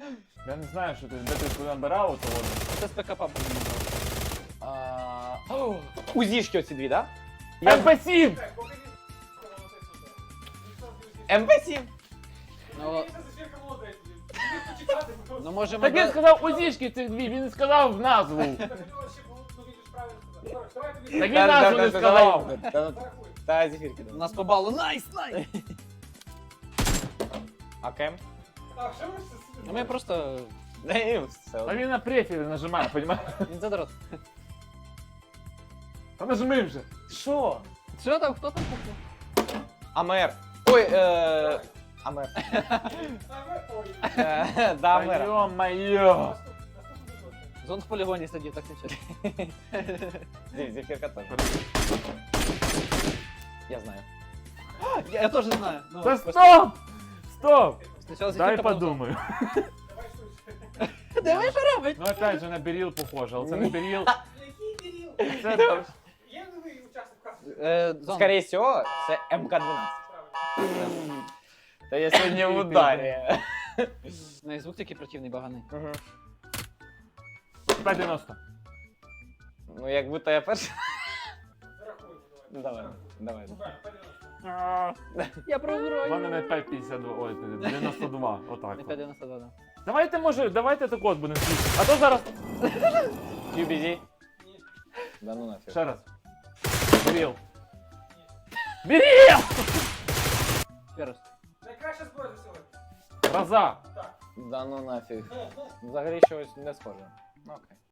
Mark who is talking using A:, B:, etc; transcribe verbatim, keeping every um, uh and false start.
A: Я не знаю, що ти, де ти куди набирав, то воно.
B: Це з ПКП буде.
C: Узішки оці дві, да?
A: ем пі сім!
C: ем пі сім.
B: Ну, ну може
A: Так він сказав узішки цих дві, він не сказав назву. Так він назву не сказав.
C: Та зефірки.
B: у нас по балу. Найс, найс!
C: А кем?
B: Ну ми просто...
C: Не, все.
A: А він на префілі нажимає, понімаєш?
B: Він задрот.
A: Та нажми вже.
C: Що?
B: Що там, хто там пухнув?
C: Амер. Ой, е... Амер. Е, Да,
A: Та
C: Амер.
A: йо-моє.
B: Зон в полігоні сидів, так нічого.
C: Зе- Зефірка теж. Я знаю.
B: Я, я теж знаю. Ну,
A: Та стоп! Стоп!
B: спочатку
A: Дай
B: зефірка, потім
A: подумаю.
B: зон. Диви, що робить?
A: Ну опять же на беріл похоже, але це не беріл. Це
D: Є новий учасник каси?
B: Е, зон.
C: Скорее всего, це ем ка дванадцять. Та я сьогодні в ударі.
B: Ну і звук такий противний, баганий.
C: Мгм.
A: п'ять дев'яносто.
C: Ну, як будто я перший.
D: Зарахуємо,
C: Давай, давай.
D: Правильно, подивимося.
B: Я
A: У
B: програю.
A: мене не п'ять п'ятдесят два, ой, дев'яносто два, отак.
B: Не
A: от.
B: п'ять дев'яносто два, да.
A: Давайте, може, давайте так от будемо слухати. А то зараз...
C: кью бі зі. Да ну нафіг.
A: Ще раз. Беріл. Беріл!
B: Ще раз.
D: Найкраща зброя за сьогодні.
A: Гроза.
C: Да ну нафіг.
D: Ну, ну,
C: Взагалі щось не схоже. Ну окей.